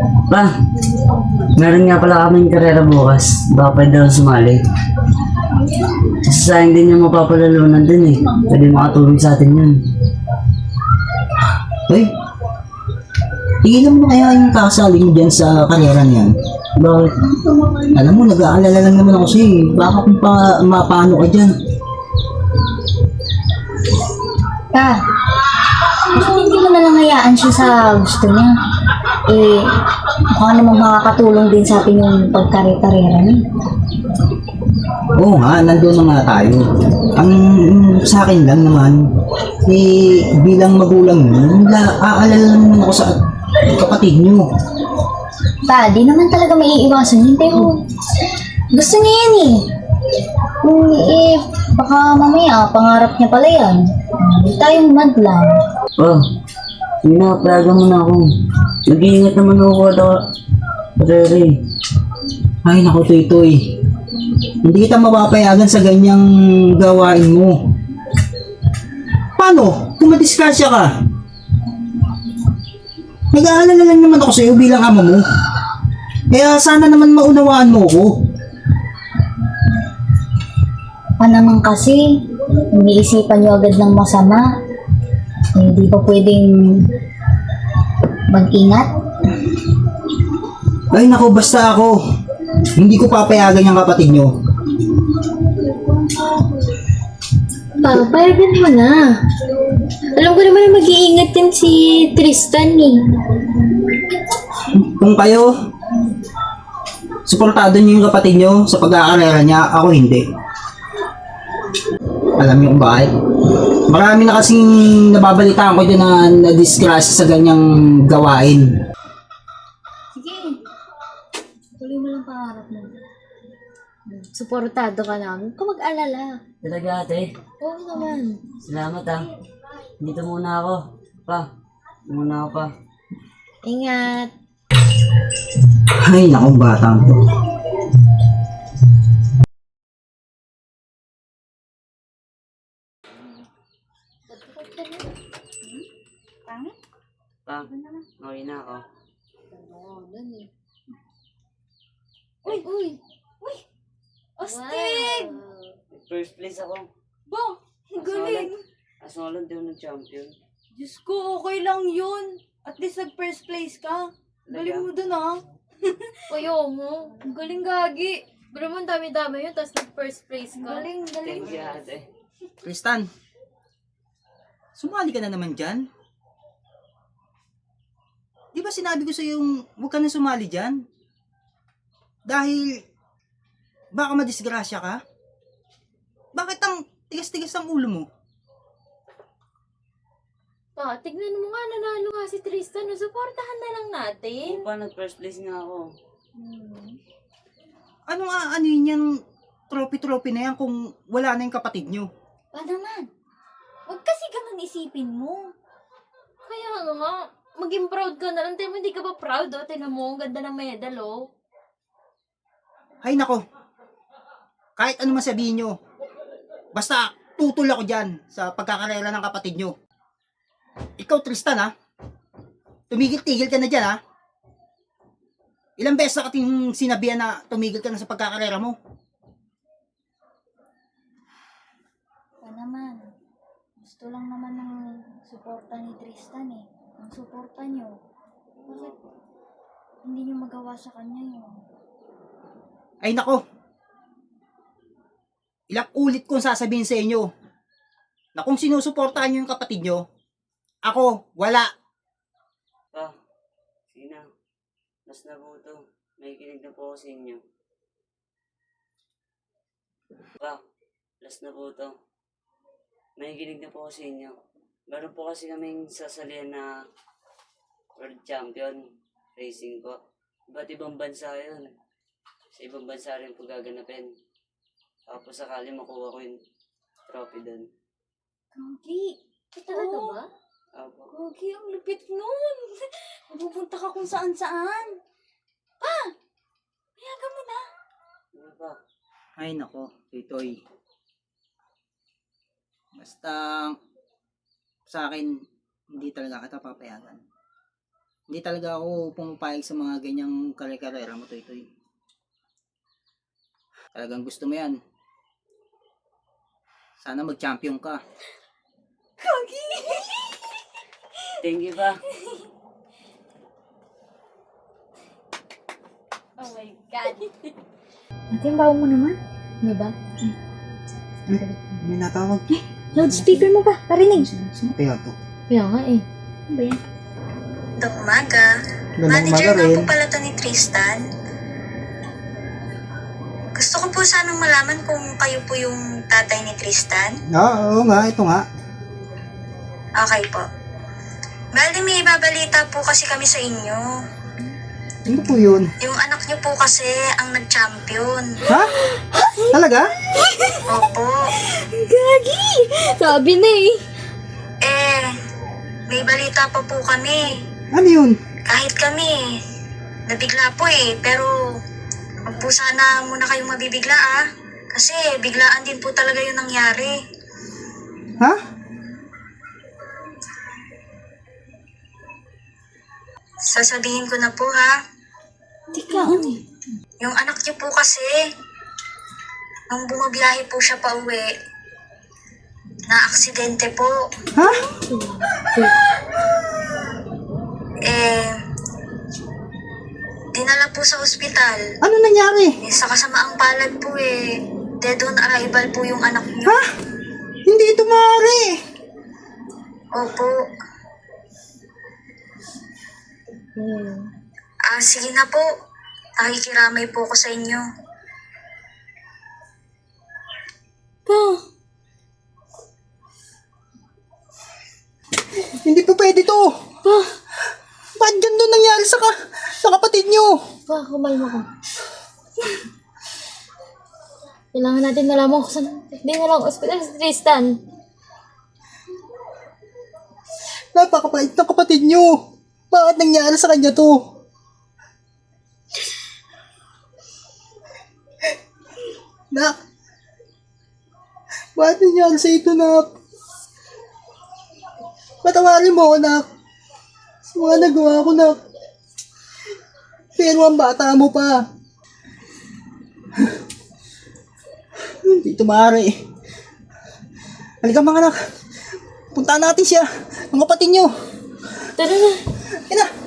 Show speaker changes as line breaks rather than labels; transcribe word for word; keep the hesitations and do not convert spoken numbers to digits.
Pa, meron nga pala kaming karera bukas. Baka pwede daw sumali. Sayang din yung mapapalalunan din eh. Pwede makatulong sa atin yun.
Hoy, tigilan mo kaya yung kakasali mo dyan sa karera niyan.
Bakit?
Alam mo, nag-aalala lang naman ako sa'yo. eh. Baka kung pa, mapano ka dyan.
Pa, bakit hindi mo nalang hayaan siya sa gusto niya? Eh, mukha namang makakatulong din sa atin yung pagkare-karera niya.
Oo nga, nandun na nga tayo. Ang sa akin lang naman, eh, bilang magulang mo, la- aalala lang naman ako sa kapatid niyo.
Pa, di naman talaga maiiwasan yun, pero gusto niya yan eh. Kung eh, baka mamaya, pangarap niya pala yan. Hindi tayong madlang.
Pa, sige na, payagan mo na ako. Nag-iingat naman ako kada karera eh.
Ay, naku, Toy-Toy. Hindi kita mapapayagan sa ganyang gawain mo. Paano? Kung madiskasya ka? Nag-aalala lang naman ako sa'yo bilang ama mo. Kaya sana naman maunawaan mo ko.
Pa naman kasi, iniisipan niyo agad ng masama. Eh, di pa pwedeng mag-ingat.
Ay, naku, basta ako. Hindi ko papayagan yung kapatid nyo.
Pa, payagan mo na. Alam ko naman na mag-iingat din si Tristan eh.
Kung kayo, suportado nyo yung kapatid nyo sa pag-aakarera niya, ako hindi. Alam niyo kung bakit? Marami na kasing nababalitaan ko dyan na na-disgrasya sa ganyang gawain.
Sige. Tuloy mo lang pangarap mo. Suportado ka lang. Huwag ka mag-alala.
Talaga ate,
Oo naman.
salamat ah. Dito muna ako. Pa, muna ako pa.
Ingat.
Ay, naku, batang to.
Pa, okay na ako.
Oo, dun eh. Uy! Uy! Uy! Astig!
First place ako.
Ba, ang galing.
Asolad daw ng champion.
Diyos ko, okay lang yun. At least nag-first place ka. Galing mo dun, ah.
Uy, oo mo. Ang galing gagi. Pero mo, ang dami-dami yun, tapos nag-first place ka.
Galing, galing.
Thank you ate.
Tristan, sumali ka na naman dyan? Di ba sinabi ko sa yung huwag ka na sumali dyan? Dahil baka madisgrasya ka? Bakit ang tigas-tigas ang ulo mo?
Pa, tignan mo nga, nanalo nga si Tristan. No? Supportahan na lang natin.
Oo pa, nag-first place nga ako.
Ano nga ano yun yung trophy-trophy na yan kung wala na yung kapatid nyo?
Pa naman, huwag kasi ganun isipin mo.
Kaya ano nga, maging proud ka na lang. Tiyan mo, hindi ka ba proud, oh? Tinan mo, ang ganda ng medal, oh.
Ay nako, kahit ano man sabihin nyo, basta tutol ako dyan sa pagkakarera ng kapatid nyo. Ikaw Tristan ha, tumigil-tigil ka na dyan ha. Ilang beses na kating sinabihan na tumigil ka na sa pagkakarera mo.
Pa naman, gusto lang naman ng suporta ni Tristan eh. Ang suporta niyo. Bakit hindi niyo magawa sa kanya yun?
Ay nako, ilang ulit kong sasabihin sa inyo na kung sinusuportahan nyo yung kapatid nyo, ako, wala.
Pa, sige na. Mas na po ito. May kinig na po ako sa inyo. Pa, last na po ito. May kinig na po ako sa inyo. Meron po kasi kaming sasalihan na world champion racing po. Iba't ibang bansa yun. Sa ibang bansa rin po gaganapin. Tapos sakali makuha ko yung trophy doon.
Gagi,
Talaga ba?
Apo.
Gogi, ang lupit nun. Mapupunta ka kung saan-saan. Pa, mayagan mo na.
Ano pa?
Ay nako, Titoy. Basta sa akin, hindi talaga kita papayagan. Hindi talaga ako pumapayag sa mga ganyang kare-karera mo, Toy-Toy. Talagang gusto mo yan. Sana mag-champion ka.
Thank you pa.
Oh my God.
Ate, yung bawa mo naman. Di ba?
May natawag.
Loudspeaker mo ba? Parinig.
Sino kaya to?
Kaya nga eh. Ano ba yan?
Magandang umaga.
Magandang
Manager
umaga
nga
rin.
po pala to ni Tristan. Gusto ko po sanang malaman kung kayo po yung tatay ni Tristan.
Ah, oo nga, ito nga.
Okay po. Bali, may ibabalita po kasi kami sa inyo.
Ano po yun?
Yung anak niyo po kasi ang nag-champion.
Ha? Talaga?
Opo.
Gagi! Sabi na eh.
Eh, may balita pa po kami.
Ano yun?
Kahit kami, nabigla po eh. Pero, wag po sana muna kayong mabibigla ah. Kasi biglaan din po talaga yung nangyari.
Ha?
Sasabihin ko na po ha.
Teka, ano?
Yung anak niyo po kasi, nung bumabiyahe po siya pa uwi, na-aksidente po.
Ha?
Eh, dinala po sa ospital.
Ano nangyari?
Eh, sa kasamaang palad po eh, dead on arrival po yung anak niyo.
Ha? Hindi ito maaari.
Opo. Ah, sige na po. Nakikiramay po ako sa inyo.
Pa,
Hindi po pwede to.
pa,
Ba't ganito nangyari sa, ka sa kapatid nyo?
pa, kumalma ka. Kailangan natin malaman kung saan hindi na lang hospital si Tristan.
Napakapait ng kapatid nyo. Bakit nangyari sa kanya to? Nak. Bakit nangyari sa ito, Nak? Patawarin mo ako, Nak. Sa mga nagawa ko, Nak. Pero ang bata mo pa. Hindi ito maaari. Halika mga anak. Puntaan natin siya. Ang kapatid nyo.
Tara na.
Ina.